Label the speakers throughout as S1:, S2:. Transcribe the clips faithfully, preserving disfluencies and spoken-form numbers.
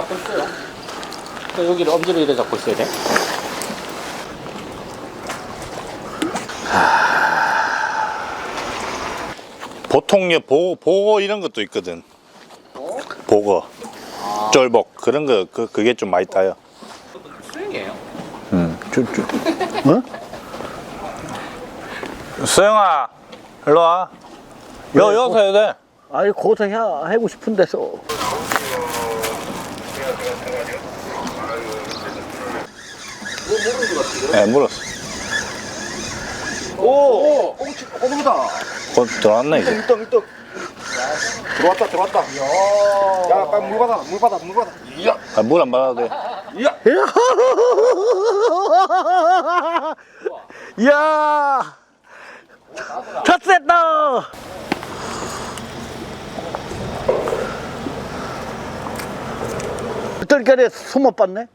S1: 잡고 있어요. 여기를 엄지를 이래 잡고 있어야 돼.
S2: 보통 보고, 보고 이런 것도 있거든.
S1: 어?
S2: 보고
S1: 아.
S2: 쫄복 그런 거 그, 그게 좀 많이 따요.
S1: 수영이에요.
S2: 응. 어? 수영아 일로 와. 여, 여기서 해야 돼.
S3: 아니 거기서 해, 하고 싶은 데서.
S2: 네, 물었어.
S3: 오! 꽁치 꼬동이다.
S2: 곧 들어왔네 이제.
S3: 일등 일등. 들어왔다 들어왔다. 야 빨리 물 받아 물 받아 물 받아. 이야.
S2: 아, 물 안 받아도 돼.
S3: 이야. 이야. 탔었다. 뜰결에 숨어 봤네.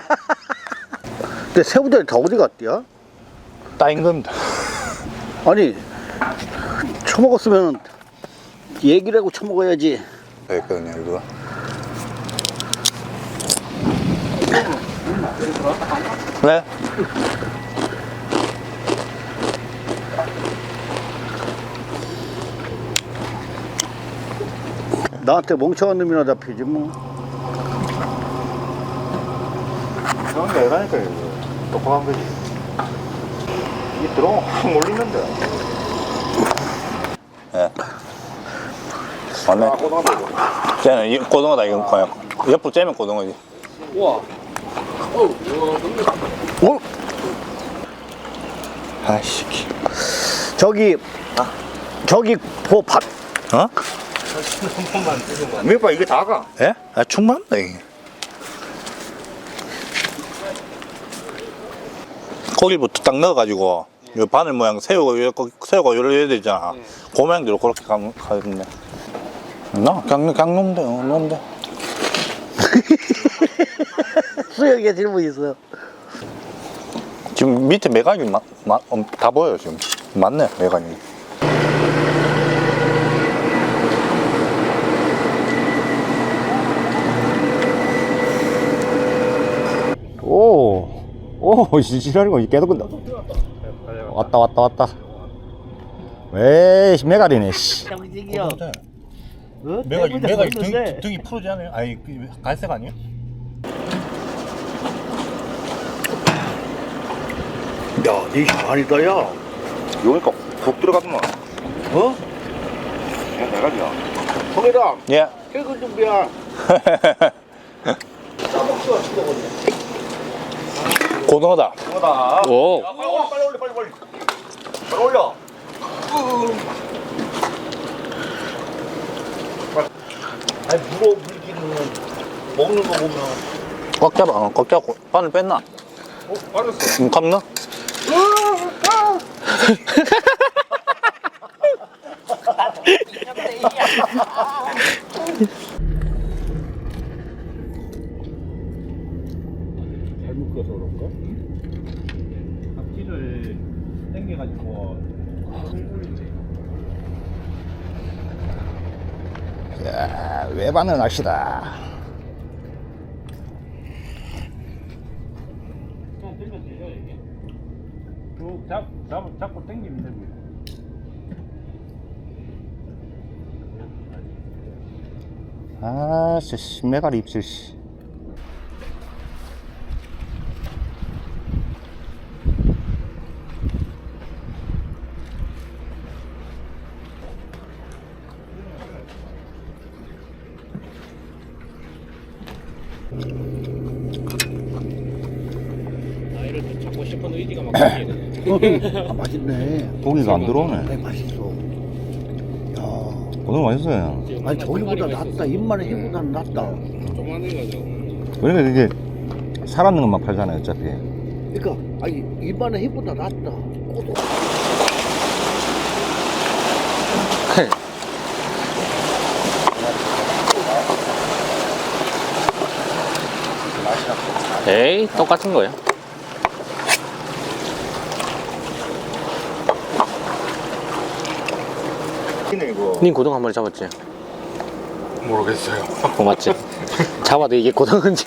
S3: 근데 새우들이 다 어디 갔디야?
S2: 따인 겁니다.
S3: 아니 처먹었으면 얘기를 하고 처먹어야지.
S2: 그랬거든요 이거. 네?
S3: 나한테 멍청한 놈이나 잡히지 뭐.
S4: 그런 게 아니라니까 이거 똑똑한 거지. 이게 들어오면 확 몰리는데.
S2: 예. 맞네.
S4: 꼬동하다 이거.
S2: 쟤는 이 고등어다 이거 그냥 옆으로 째면 고등어지.
S1: 우와. 어, 우와, 근데
S3: 어?
S2: 아이씨.
S3: 저기 저기 보 밭.
S2: 어?
S4: 몇번 이게 다가.
S2: 예? 아 충만다 이게. 고기부터 딱 넣어가지고 요 바늘 모양 새우가 요 새우가 요래야 되잖아.
S1: 네.
S2: 그 모양대로 그렇게 가면 가겠네. 나 그냥 그냥 놓으면 돼, 어, 놓으면 돼.
S3: 수영에 질문 있어요.
S2: 지금 밑에 메가니 마, 마, 음, 다 보여요 지금. 맞네 메가니.
S5: 오, 오, 지랄이고 계속 근데 왔다 왔다 왔다. 에이, 메가리네. 씨.
S3: 정직이요. 어?
S2: 메가니
S3: 때문에
S2: 메가니
S3: 먹는데.
S2: 등, 등이 푸르지 않아요? 아니 그 갈색 아니에요?
S3: 야, 네 시간이다 야.
S4: 여기니까 푹 들어가더만.
S3: 어?
S4: 그냥 내가지야.
S3: 성희랑
S2: 예.
S3: 퇴근 준비야. 싸먹지마 죽어버려.
S2: 고등어다.
S4: 이거다.
S2: 오.
S4: 야, 빨리 올려, 빨리 올려, 빨리 올려. 빨리 올려.
S3: 아니 물어 물기는 먹는 거 보면.
S2: 꽉 잡아. 어, 꽉 잡고 바늘 뺐나?
S4: 어, 빠졌어.
S2: 음, 감나?
S3: 잘 묶여서 그런가?
S1: 앞뒤를 당겨가지고
S5: 자, 외반은 낚시다.
S1: 그냥 들면 되죠 이게. 쭉 잡, 잡, 잡고 당기면 되고요.
S5: 아, 씨, 메가리 입질 씨.
S1: 아이를 잡고 싶은 의지가 막 생기네.
S3: 아 맛있네.
S5: 고기가 안 들어오네.
S3: 네 맛있어. 야,
S5: 오늘 맛있어요.
S3: 아니 저기보다 낫다. 입만의 해보다는 낫다.
S1: 조그만 거죠.
S5: 그러니까 이게 살아있는 것만 팔잖아요, 어차피.
S3: 그러니까 아니 입만의 해보다 낫다. 꼬도.
S1: 에이, 똑같은 거예요.
S4: 이거.
S1: 님 고등 한 마리 잡았지?
S3: 모르겠어요.
S6: 어, 맞지? 잡아도 이게 고등어인지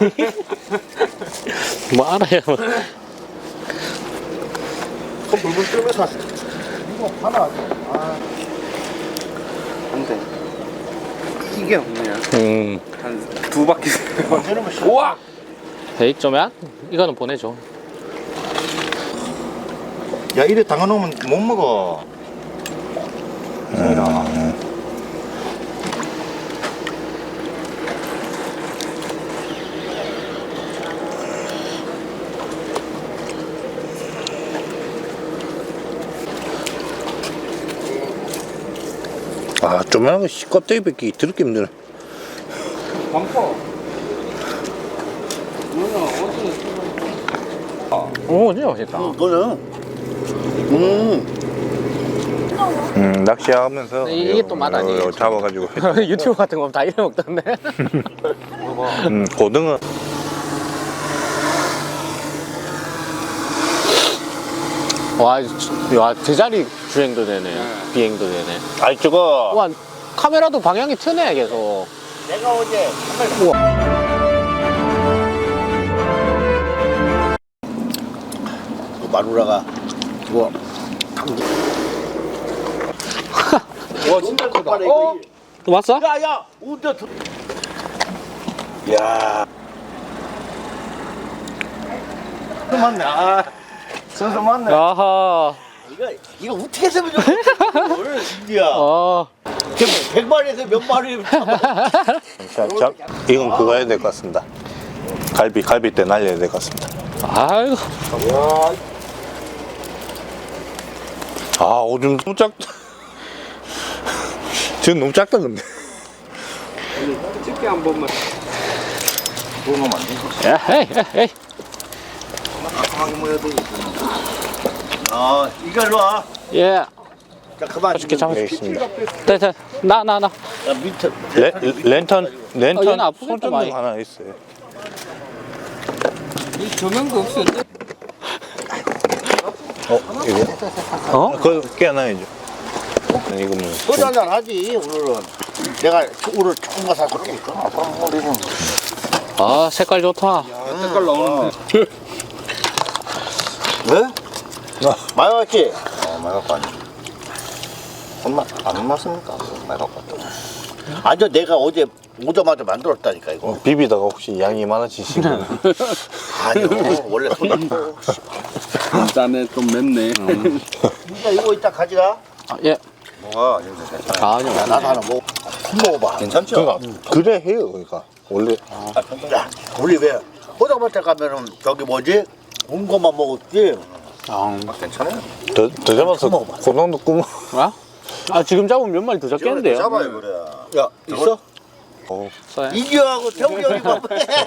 S6: 뭐 알아요.
S4: 손 불불 끓면서 이거 하나 아 안돼 이게 없네요.
S6: 음.
S3: 한 두 바퀴.
S4: 우와
S6: 에이 좀야? 이거는 보내줘.
S4: 야 이래 담가놓으면 못 먹어.
S2: 아, 조만한 거 껍데기 뺏기 더럽게 힘드네.
S6: 오 진짜 맛있다.
S4: 이거는
S2: 음, 낚시하면서
S6: 네, 이게 또 맛 아니에요?
S2: 이거 잡아가지고
S6: 유튜브 같은 거 다 이래 먹던데.
S2: 음, 고등어
S6: 와, 주- 와 제자리 주행도 되네. 비행도 되네.
S2: 아이 저거
S6: 와 카메라도 방향이 트네 계속.
S4: 내가 어제 그 마누라가 뭐
S3: 와 진짜 크다.
S6: 어? 또 왔어?
S4: 야야 우대 야 맞네 아 선수 맞네
S6: 아하.
S4: 이거 이거 어떻게 해서면 좋겠어 오늘 진짜
S6: 어.
S4: 백 마리에서 몇 마리 잡아
S2: 자, 자, 이건 그거 해야 될 것 같습니다. 갈비 갈비 때 날려야 될 것 같습니다.
S6: 아이고.
S2: 아, 오줌 너무 작다. 지금 너무 작다 근데.
S3: 집게 한 번만.
S4: 그러면 안 되지
S6: 야, 에이, 에이, 에이.
S4: 깜깜하게 모여야 되지 아 이거 일로 와
S6: 예.
S4: 자 그만
S6: 맛있게 잡아.
S2: 알겠습니다.
S6: 네, 네. 나, 나, 나.
S4: 야 밑에
S2: 레, 랜턴
S6: 어,
S2: 랜턴
S6: 얘는 아프겠다,
S2: 손전등
S6: 많이.
S2: 하나 있어요.
S3: 이 조명도 없어.
S2: 어, 이거?
S6: 어?
S2: 그거 깨어나야죠. 이거 뭐
S4: 소주 한잔 하지 오늘은 내가 오늘 조금만 사줄게
S6: 아, 색깔 좋다.
S3: 색깔 나오는데.
S4: 왜? 많이 왔지? 어 많이 갖고 왔지 손맛 안 맞습니까? 많이 갖고 왔다 아니 내가 어제 오자마자 만들었다니까 이거
S2: 어, 비비다가 혹시 양이 많아지시면
S4: 아니요 원래 손맛
S3: 짠에 좀 맵네.
S4: 진짜 이거 이따 가져가
S6: 아, 예.
S4: 뭐가 이거 괜찮아
S6: 아니요.
S4: 야, 나도 하나 먹 먹어봐 괜찮죠?
S2: 그러니까 그래 해요. 그러니까 원래
S4: 야 우리 왜 호자마차 가면은 저기 뭐지? 군 것만 먹었지?
S6: 아,
S4: 괜찮아요
S2: 더, 더 잡아서
S4: 먹어봐.
S2: 고등도 꾸면
S6: 아? 아, 지금 잡으면 몇 마리 더 잡겠는데요?
S4: 잡아요 그래 야 있어?
S2: 어,
S6: 써요.
S4: 이규하고 태웅이 형이 봐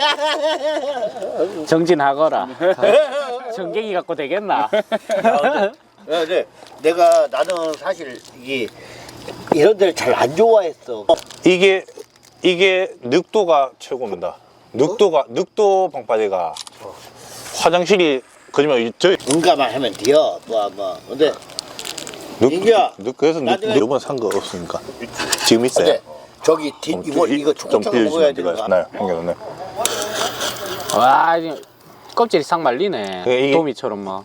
S6: 정진하거라. 정갱이 갖고 되겠나?
S4: 야, 근데 내가 나는 사실 이게 이런 데를 잘 안 좋아했어.
S2: 이게 이게 늑도가 최고입니다. 늑도가 늑도 방파제가 화장실이 거짓말 저
S4: 응가만 하면 돼요. 뭐 뭐. 근데
S2: 늑,
S4: 민규야,
S2: 늑 그래서 늑
S4: 나중에-
S2: 이번 산 거 없으니까 지금 있어요.
S4: 근데 저기 뒤 이거 이거 초코차가 먹어야 되는 거
S2: 네, 형님네.
S6: 와, 이제 껍질이 싹 말리네.
S2: 그 이게-
S6: 도미처럼 막.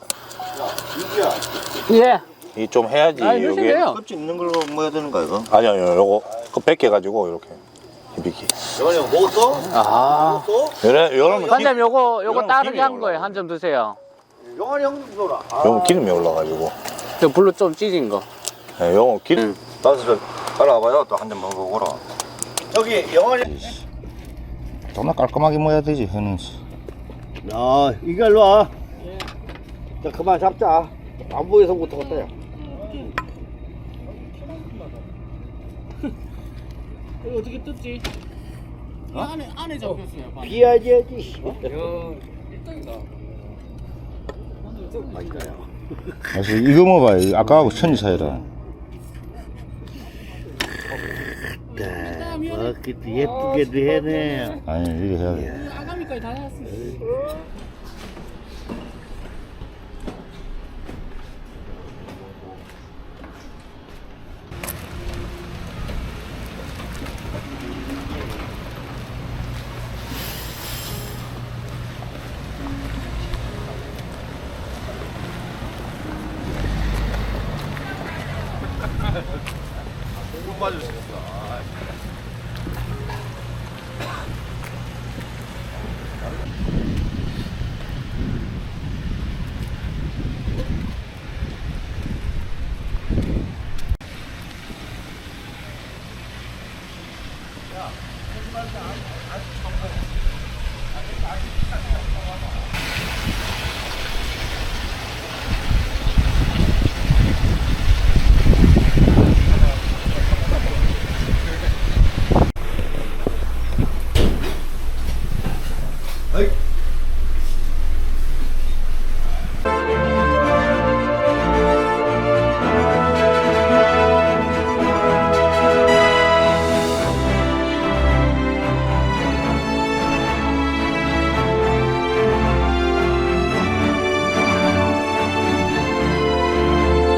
S6: 예.
S2: 이 좀 해야지.
S6: 아,
S2: 요게
S6: 넣으세요.
S4: 껍질 있는 걸로 먹어야 되는 거야 이거?
S2: 아니 아니요 요거 그 뺏겨 가지고 이렇게 비비기.
S4: 영환이 형 먹었어?
S6: 아.
S4: 먹었어?
S2: 요래 요러면
S6: 반장님 요거 요거
S2: 이거는
S6: 따르게
S2: 기름이
S6: 한 거예요.
S2: 올라가요.
S6: 한 점 드세요.
S4: 영환이 형도 줘라. 아,
S2: 요거 기름이 올라 가지고.
S6: 저 불로 좀 찢은 거.
S2: 네, 요거 기름
S4: 나도 따라와봐요. 또 한 잔 먹어보라. 저기 영환이.
S5: 정말 깔끔하게 모여야 되지 회는.
S4: 야 이거 일로 와. 자 그만 잡자. 안 보여서부터 어때요?
S6: 이거 어떻게 뜯지? 안에 안에 잡혔어요.
S4: 비야지 해야지.
S5: 그래서 이거 먹어봐요. 아까하고 천지 차이라.
S4: 뭐 그때 예쁘게도 해네.
S5: 아니 이거 해야 돼.
S6: 아가미까지 다 나왔어.